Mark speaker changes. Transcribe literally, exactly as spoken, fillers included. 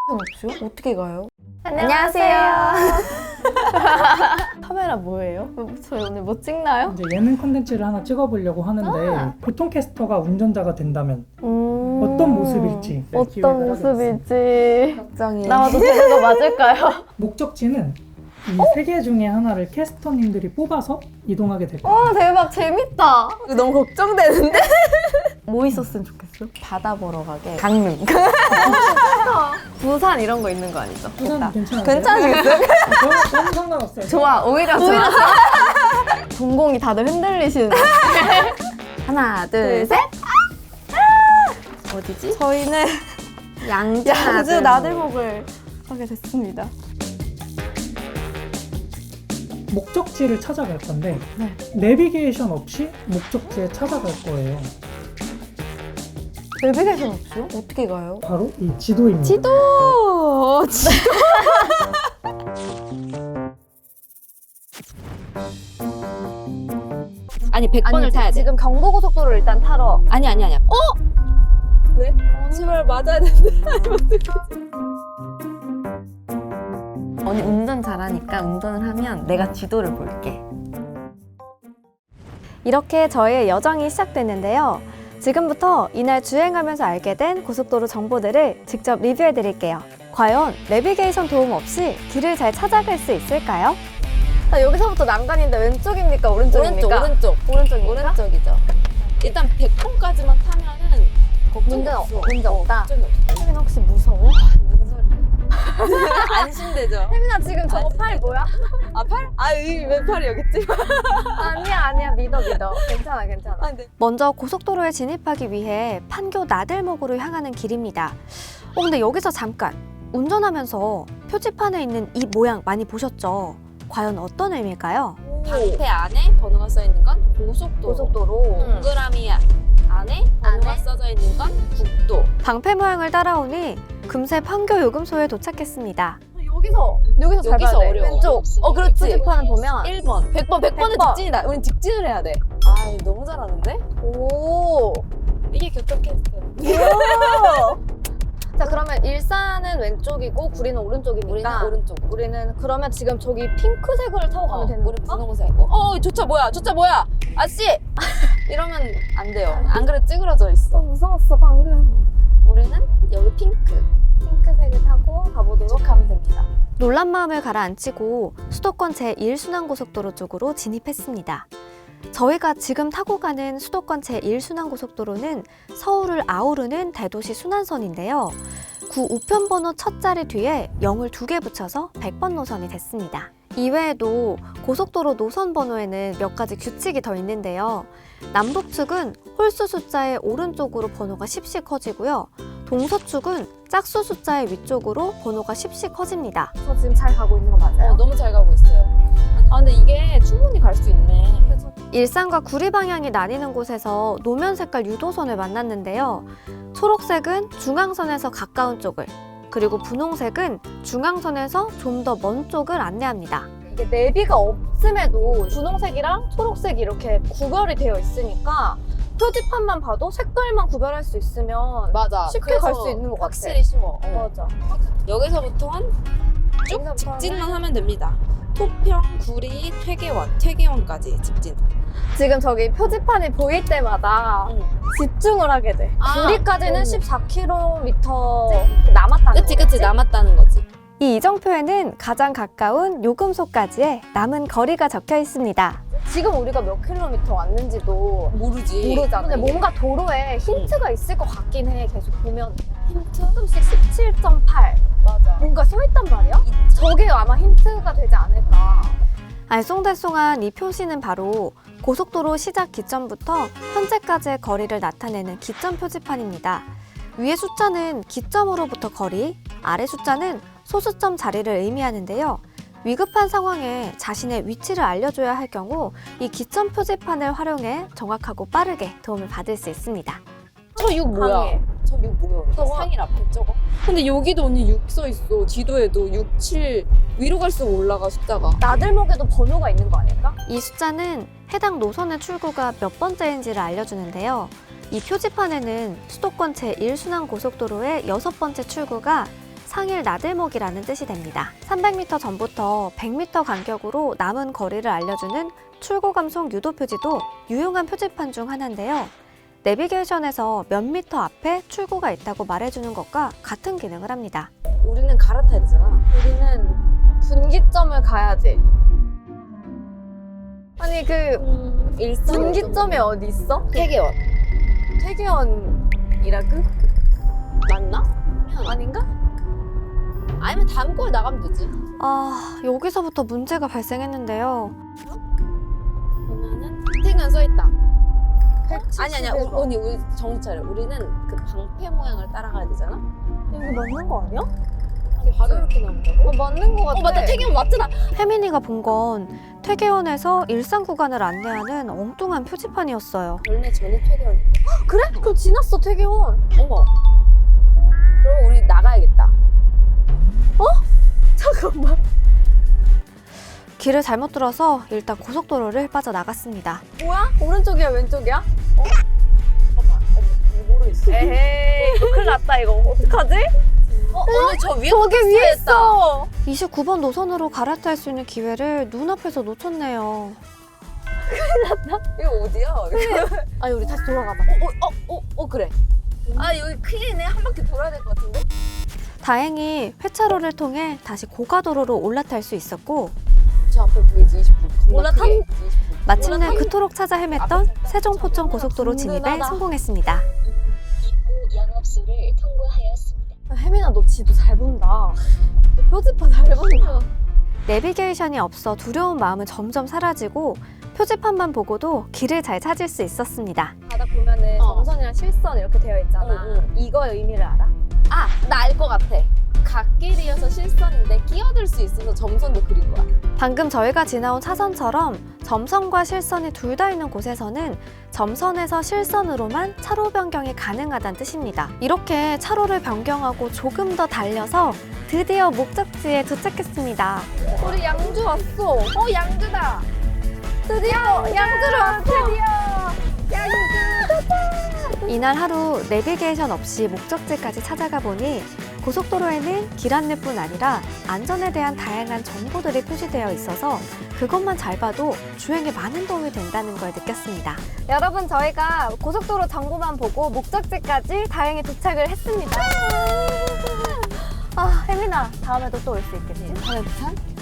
Speaker 1: 없죠? 어떻게 가요?
Speaker 2: 안녕하세요.
Speaker 1: 카메라 뭐예요? 저희 오늘 뭐 찍나요?
Speaker 3: 이제 예능 콘텐츠를 하나 찍어보려고 하는데
Speaker 1: 아.
Speaker 3: 보통 캐스터가 운전자가 된다면
Speaker 1: 음...
Speaker 3: 어떤 모습일지 네, 기획을
Speaker 1: 어떤
Speaker 3: 하게 됐어요.
Speaker 1: 모습일지
Speaker 2: 걱정이.
Speaker 1: 나와도 되는 거 맞을까요?
Speaker 3: 목적지는 이 세 개 중에 하나를 캐스터님들이 뽑아서 이동하게 될 거예요.
Speaker 1: 와 대박 재밌다.
Speaker 2: 이거 너무 걱정되는데?
Speaker 1: 뭐 있었으면 좋겠어?
Speaker 2: 바다 보러 가게. 강릉.
Speaker 1: 부산 이런 거 있는 거 아니죠?
Speaker 3: 부산 괜찮아요?
Speaker 2: 괜찮으시겠어요?
Speaker 3: 저는, 저는 상관없어요.
Speaker 2: 좋아, 오히려 좋아.
Speaker 1: 동공이 다들 흔들리시는데.
Speaker 2: 하나, 둘,
Speaker 1: 둘,
Speaker 2: 셋. 어디지?
Speaker 1: 저희는
Speaker 2: 양주,
Speaker 1: 양주 나들목을 하게 됐습니다.
Speaker 3: 목적지를 찾아갈 건데
Speaker 1: 네.
Speaker 3: 내비게이션 없이 목적지에 찾아갈 거예요.
Speaker 1: 내비게이션 없죠? 어떻게 가요?
Speaker 3: 바로 이 지도입니다.
Speaker 1: 지도! 지도!
Speaker 2: 아니, 백 번을 타야 돼.
Speaker 1: 지금 경부고속도로를 일단 타러.
Speaker 2: 아니, 아니, 아니야. 어? 왜? 제발 맞아야 되는데. 언니 운전 잘하니까 운전을 하면 내가 지도를 볼게.
Speaker 4: 이렇게 저희의 여정이 시작됐는데요. 지금부터 이날 주행하면서 알게 된 고속도로 정보들을 직접 리뷰해 드릴게요. 과연 내비게이션 도움 없이 길을 잘 찾아갈 수 있을까요?
Speaker 1: 자, 여기서부터 난간인데 왼쪽입니까? 오른쪽입니까?
Speaker 2: 오른쪽, 오른쪽.
Speaker 1: 오른쪽입니까?
Speaker 2: 오른쪽이죠. 일단 백 번까지만 타면은 걱정이
Speaker 1: 문제는
Speaker 2: 없어.
Speaker 1: 없- 문제 없다?
Speaker 2: 걱정이 없어.
Speaker 1: 혜민아 혹시 무서워?
Speaker 2: 무슨 소리야? 안심되죠?
Speaker 1: 혜민아 지금 저거
Speaker 2: 아,
Speaker 1: 팔 뭐야?
Speaker 2: 아, 팔? 아, 이 왜 팔이 여기 있지?
Speaker 1: 아니야 아니야 믿어 믿어. 괜찮아 괜찮아.
Speaker 2: 아, 네.
Speaker 4: 먼저 고속도로에 진입하기 위해 판교 나들목으로 향하는 길입니다. 어, 근데 여기서 잠깐! 운전하면서 표지판에 있는 이 모양 많이 보셨죠? 과연 어떤 의미일까요?
Speaker 2: 방패 안에 번호가 써 있는 건 고속도로.
Speaker 1: 고속도로.
Speaker 2: 응. 동그라미 안에 번호가
Speaker 1: 안에?
Speaker 2: 써져 있는 건 국도.
Speaker 4: 방패 모양을 따라오니 금세 판교 요금소에 도착했습니다.
Speaker 1: 여기서 여기서 잘
Speaker 2: 여기서
Speaker 1: 봐야 돼.
Speaker 2: 어려워.
Speaker 1: 왼쪽.
Speaker 2: 어, 그렇지.
Speaker 1: 표지판을 보면
Speaker 2: 일 번. 백 번. 백 번은
Speaker 1: 백 번.
Speaker 2: 직진이다. 우린 직진을 해야 돼. 아, 너무 잘하는데?
Speaker 1: 오.
Speaker 2: 이게 교통 캐스터.
Speaker 1: 자 그러면 일산은 왼쪽이고 구리는 오른쪽이니까
Speaker 2: 우리는 오른쪽.
Speaker 1: 우리는 그러면 지금 저기 핑크색을 타고 가면
Speaker 2: 어,
Speaker 1: 되는
Speaker 2: 우리
Speaker 1: 건가?
Speaker 2: 분홍색. 어, 저 차 뭐야? 저 차 뭐야? 아씨! 이러면 안 돼요. 안 그래 찌그러져 있어.
Speaker 1: 어, 무서웠어 방금.
Speaker 2: 우리는 여기 핑크.
Speaker 1: 핑크색을 타고 가보도록 하면 됩니다.
Speaker 4: 놀란 마음을 가라앉히고 수도권 제일 순환고속도로 쪽으로 진입했습니다. 저희가 지금 타고 가는 수도권 제일 순환고속도로는 서울을 아우르는 대도시 순환선인데요. 구 우편번호 첫 자리 뒤에 영을 두 개 붙여서 백 번 노선이 됐습니다. 이외에도 고속도로 노선 번호에는 몇 가지 규칙이 더 있는데요. 남북측은 홀수 숫자의 오른쪽으로 번호가 십씩 커지고요. 동서축은 짝수 숫자의 위쪽으로 번호가 십씩 커집니다.
Speaker 1: 저 지금 잘 가고 있는 거 맞아요?
Speaker 2: 어, 너무 잘 가고 있어요. 아, 근데 이게 충분히 갈 수 있네.
Speaker 4: 일산과 구리 방향이 나뉘는 곳에서 노면 색깔 유도선을 만났는데요. 초록색은 중앙선에서 가까운 쪽을, 그리고 분홍색은 중앙선에서 좀 더 먼 쪽을 안내합니다.
Speaker 1: 이게 내비가 없음에도 분홍색이랑 초록색이 이렇게 구별이 되어 있으니까 표지판만 봐도 색깔만 구별할 수 있으면
Speaker 2: 맞아.
Speaker 1: 쉽게 갈 수 있는 것 같아.
Speaker 2: 확실히 쉬워. 어.
Speaker 1: 맞아.
Speaker 2: 여기서부터는 쭉
Speaker 1: 여기서부터는
Speaker 2: 직진만 하면 됩니다. 토평, 구리, 퇴계원, 퇴계원까지 직진.
Speaker 1: 지금 저기 표지판이 보일 때마다
Speaker 2: 응.
Speaker 1: 집중을 하게 돼.
Speaker 2: 아,
Speaker 1: 구리까지는
Speaker 2: 음.
Speaker 1: 십사 킬로미터 남았다는
Speaker 2: 그치,
Speaker 1: 거지?
Speaker 2: 그치. 남았다는 거지.
Speaker 4: 이 이정표에는 가장 가까운 요금소까지의 남은 거리가 적혀 있습니다.
Speaker 1: 지금 우리가 몇 킬로미터 왔는지도
Speaker 2: 모르지.
Speaker 1: 모르잖아. 근데
Speaker 2: 이게.
Speaker 1: 뭔가 도로에 힌트가 있을 것 같긴 해. 계속 보면 힌트? 조금씩 십칠 점 팔
Speaker 2: 맞아.
Speaker 1: 뭔가 써 있단 말이야? 저게 아마 힌트가 되지 않을까.
Speaker 4: 알쏭달쏭한 이 표시는 바로 고속도로 시작 기점부터 현재까지의 거리를 나타내는 기점 표지판입니다. 위의 숫자는 기점으로부터 거리, 아래 숫자는 소수점 자리를 의미하는데요. 위급한 상황에 자신의 위치를 알려줘야 할 경우 이 기점 표지판을 활용해 정확하고 빠르게 도움을 받을 수 있습니다.
Speaker 2: 저 육 뭐야?
Speaker 1: 항해.
Speaker 2: 저 육 뭐야?
Speaker 1: 저거.
Speaker 2: 상일 앞에 저거. 근데 여기도 언니 육 써 있어. 지도에도 육, 칠 위로 갈수록 올라가 숫자가.
Speaker 1: 나들목에도 번호가 있는 거 아닐까?
Speaker 4: 이 숫자는 해당 노선의 출구가 몇 번째인지를 알려주는데요. 이 표지판에는 수도권 제일 순환고속도로의 여섯 번째 출구가 상일 나들목이라는 뜻이 됩니다. 삼백 미터 전부터 백 미터 간격으로 남은 거리를 알려주는 출고 감속 유도 표지도 유용한 표지판 중 하나인데요. 내비게이션에서 몇 미터 앞에 출구가 있다고 말해주는 것과 같은 기능을 합니다.
Speaker 2: 우리는 갈아타야 되잖아.
Speaker 1: 우리는 분기점을 가야지. 아니 그
Speaker 2: 음, 일산
Speaker 1: 분기점이 어디 있어?
Speaker 2: 태계원
Speaker 1: 태계원이라고?
Speaker 2: 맞나?
Speaker 1: 아닌가?
Speaker 2: 아니면 다음 거에 나가면 되지.
Speaker 4: 아, 여기서부터 문제가 발생했는데요.
Speaker 2: 보면은 태계원 써있다. 아니 아니야.
Speaker 1: 백칠십일 번.
Speaker 2: 우- 언니 우리 정신 차려. 우리는 그 방패 모양을 따라가야 되잖아.
Speaker 1: 이거 맞는 거 아니야?
Speaker 2: 바로 이렇게 나온다고?
Speaker 1: 어 맞는 거 같아.
Speaker 2: 어 맞다. 태계원 맞잖아.
Speaker 4: 혜민이가 본 건 퇴계원에서 일산 구간을 안내하는 엉뚱한 표지판이었어요.
Speaker 2: 원래 전에 태계원.
Speaker 1: 그래? 그럼 지났어 태계원.
Speaker 2: 어머. 그럼 우리 나가야겠다.
Speaker 1: 잠깐만.
Speaker 4: 길을 잘못 들어서 일단 고속도로를 빠져나갔습니다.
Speaker 1: 뭐야? 오른쪽이야 왼쪽이야?
Speaker 2: 잠깐만. 어머, 모르겠어.
Speaker 1: 에헤이 이거 큰일 났다 이거 어떡하지?
Speaker 2: 어, 언니 저 위에
Speaker 1: 저기 위에 있어.
Speaker 4: 이십구 번 노선으로 갈아탈 수 있는 기회를 눈앞에서 놓쳤네요.
Speaker 2: 이거 어디야? 이거.
Speaker 1: 아니 우리 다시 돌아가자.
Speaker 2: 어, 어, 어, 어, 그래. 아, 여기 큰일이네. 한 바퀴 돌아야 될 것 같은데?
Speaker 4: 다행히 회차로를 통해 다시 고가도로로 올라탈 수 있었고
Speaker 2: 저 앞에 보이지? 이십구. 겁나
Speaker 1: 올라탄-
Speaker 2: 크게. 이십구.
Speaker 4: 마침내
Speaker 2: 올라탄-
Speaker 4: 그토록 찾아 헤맸던 세종포천 고속도로 진입에
Speaker 1: 든든하다.
Speaker 4: 성공했습니다.
Speaker 5: 입구 영업소를 통과하였습니다.
Speaker 1: 혜민아 너 지도 잘 본다. 너 표지판 잘 본다.
Speaker 4: 내비게이션이 없어 두려운 마음은 점점 사라지고 표지판만 보고도 길을 잘 찾을 수 있었습니다.
Speaker 1: 바닥 보면은
Speaker 2: 어.
Speaker 1: 점선이랑 실선 이렇게 되어 있잖아.
Speaker 2: 응, 응.
Speaker 1: 이거 의미를 알아?
Speaker 2: 아, 나 알 것 같아. 갓길이어서 실선인데 끼어들 수 있어서 점선도 그린 거야.
Speaker 4: 방금 저희가 지나온 차선처럼 점선과 실선이 둘 다 있는 곳에서는 점선에서 실선으로만 차로 변경이 가능하다는 뜻입니다. 이렇게 차로를 변경하고 조금 더 달려서 드디어 목적지에 도착했습니다.
Speaker 1: 우리 양주 왔어. 어 양주다. 드디어 양주로 왔어. 드디어 양주.
Speaker 4: 이날 하루 내비게이션 없이 목적지까지 찾아가 보니 고속도로에는 길 안내뿐 아니라 안전에 대한 다양한 정보들이 표시되어 있어서 그것만 잘 봐도 주행에 많은 도움이 된다는 걸 느꼈습니다.
Speaker 1: 여러분 저희가 고속도로 정보만 보고 목적지까지 다행히 도착을 했습니다. 아 혜민아 다음에도 또 올 수 있겠지?
Speaker 2: 다음에 부산?